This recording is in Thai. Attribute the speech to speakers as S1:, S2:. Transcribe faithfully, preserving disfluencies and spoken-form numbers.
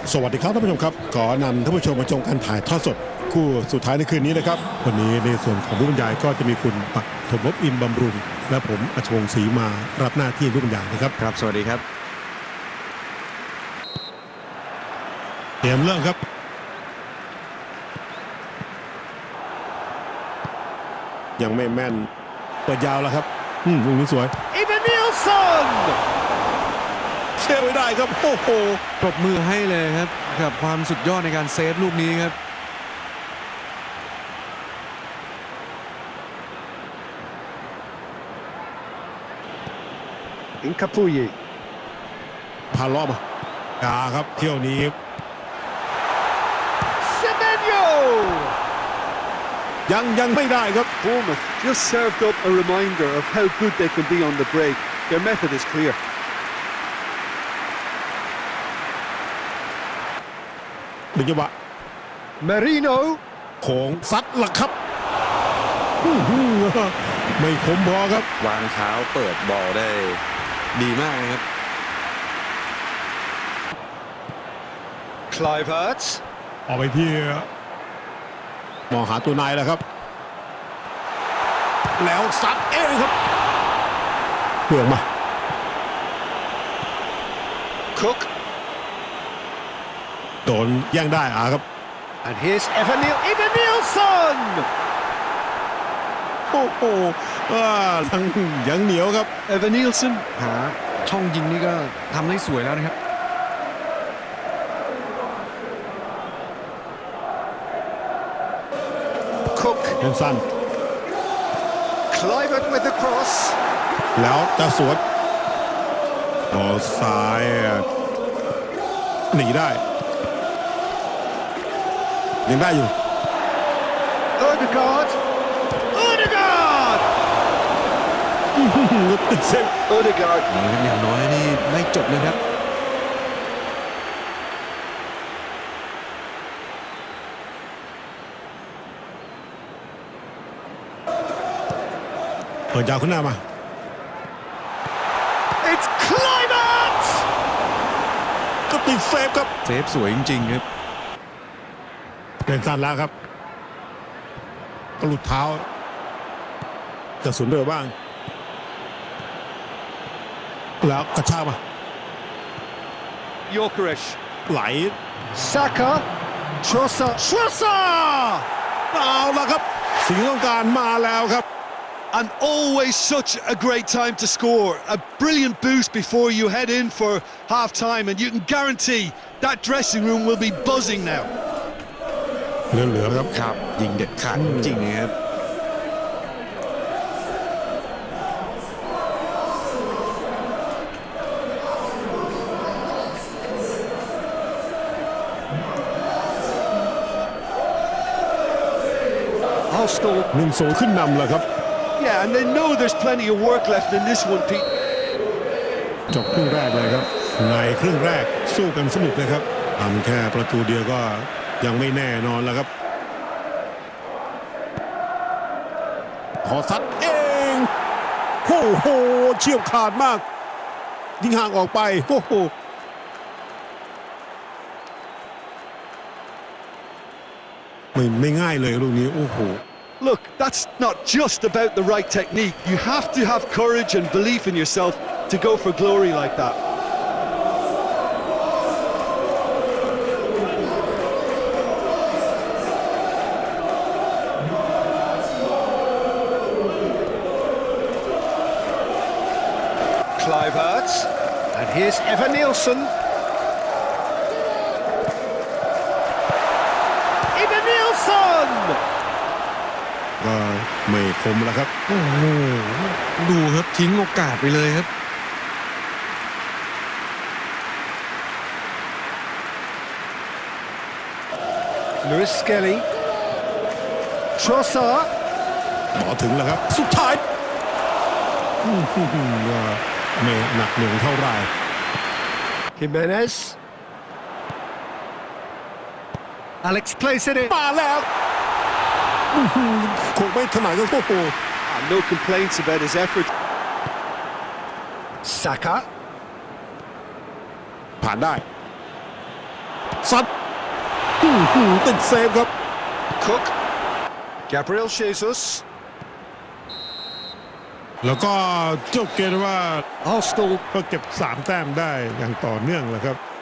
S1: สวัสดีครับท่านผู้ชมครับขอนำท่านผู้ชมมาชมการถ่ายทอดสดคู่สุดท้ายในคืนนี้นะครับวันนี้ในส่วนของผู้บรรยายก็จะมีคุณปักถมภพอินบำรุงและผมอัชวงศ์ศรีมารับหน้าที่ผู้บรรยายนะครับ
S2: ครับสวัสดีครับ
S1: เตรียมเริ่มครับยังไม่แม่นเปิดยาวแล้วครับอืมลูกนี้สวย
S3: อีวานนิลสัน
S1: เซฟไม่ได้ครับโอ้โห
S2: ปรบมือให้เลยครับกับความสุดยอดในการเซฟลูกนี้ครับ
S3: อินคาปุย
S1: พาล้อมกาครับเที่ยวนี้
S3: เซเมนโย
S1: ยังยังไม่ได้ครับ
S3: Bournemouth just served up a reminder of how good they can be on the break. Their method is clear.
S1: ดึงจังหวะ
S3: Marino
S1: โขงซัดหลักครับไม่คมพอครับ
S2: วางเท้าเปิดบอลได้ดีมากนะครับ
S3: Clive Hurts
S1: ออกไปที่มองหาตัวนายแล้วครับแล้วซัดเองครับเปลืองมา
S3: Cook
S1: โดนแย่งได้อ่ะครับ
S3: and here's Evan Neil Evan Nielsen
S1: โอ้โหยังยังเหนียวครับ
S3: Evan Nielsen
S2: หาช่องยิงนี่ก็ทำได้สวยแล้วนะครับ
S3: Cook
S1: เป็นสั้น
S3: Clive with the cross
S1: แล้วจะสวนบอลซ้ายหนีได้ยังได้อยู่
S3: Odegaard Odegaard
S1: ติดเซฟ
S3: Odegaard
S2: อย่างน้อยนี่ไม่จบเลยครับ
S1: เปิดยาวขึ้นหน้ามา
S3: It's Clive
S1: ก็ติดเซฟครับ
S2: เซฟสวยจริงๆครับ
S1: เป็นสั้นแล้วครับกระหลุดเท้าจะสวนเรือบ้างแล้วกระชากมา
S3: Gyökeres
S1: ไหล
S3: Saka Trossard Trossard
S1: เอาละครับสิ่งที่ต้องการมาแล้วครับ
S3: And always such a great time to score. A brilliant boost before you head in for half time, and you can guarantee that dressing room will be buzzing now.
S1: เหลือๆครับ
S2: ครับยิงเด็ดขาดจริงๆนะครับ
S1: หนึ่งโซขึ้นนำแล้วครับ
S3: Yeah, and they know there's plenty of work left in this one, Pete.
S1: จบครึ่งแรกเลยครับในครึ่งแรกสู้กันสนุกเลยครับทำแค่ประตูเดียวก็ยังไม่แน่นอนแล้วครับขอซัดเองโอ้โหเฉียบขาดมากยิงห่างออกไปโอ้โหไม่ไม่ง่ายเลยลูกนี้โอ้โห
S3: Look, that's not just about the right technique. You have to have courage and belief in yourself to go for glory like that. Clive Hurts, and here's Evan Nielsen. Evan Nielsen!
S1: ก็ไม่คมแล้วครับ
S2: โอ้โหดูครับทิ้งโอกาสไปเลยครับ
S3: Lewis Skelly Trossard
S1: ต่อถึงแล้วครับสุดท้ายว่าไม่หนักหน่วงเท่าไหร่
S3: Jimenez Alex plays it in
S1: มาแล้วคงไม่ถนัดก็โอ้โห
S3: No complaints about his effort Saka
S1: ผ่านได้ซัดอื้อหือติดเซฟครับ
S3: Cook, Gabriel Jesus.
S1: แล้วก็จบเกมว่า
S3: Arsenal
S1: ก็เก็บสามแต้มได้อย่างต่อเนื่องแหละครับ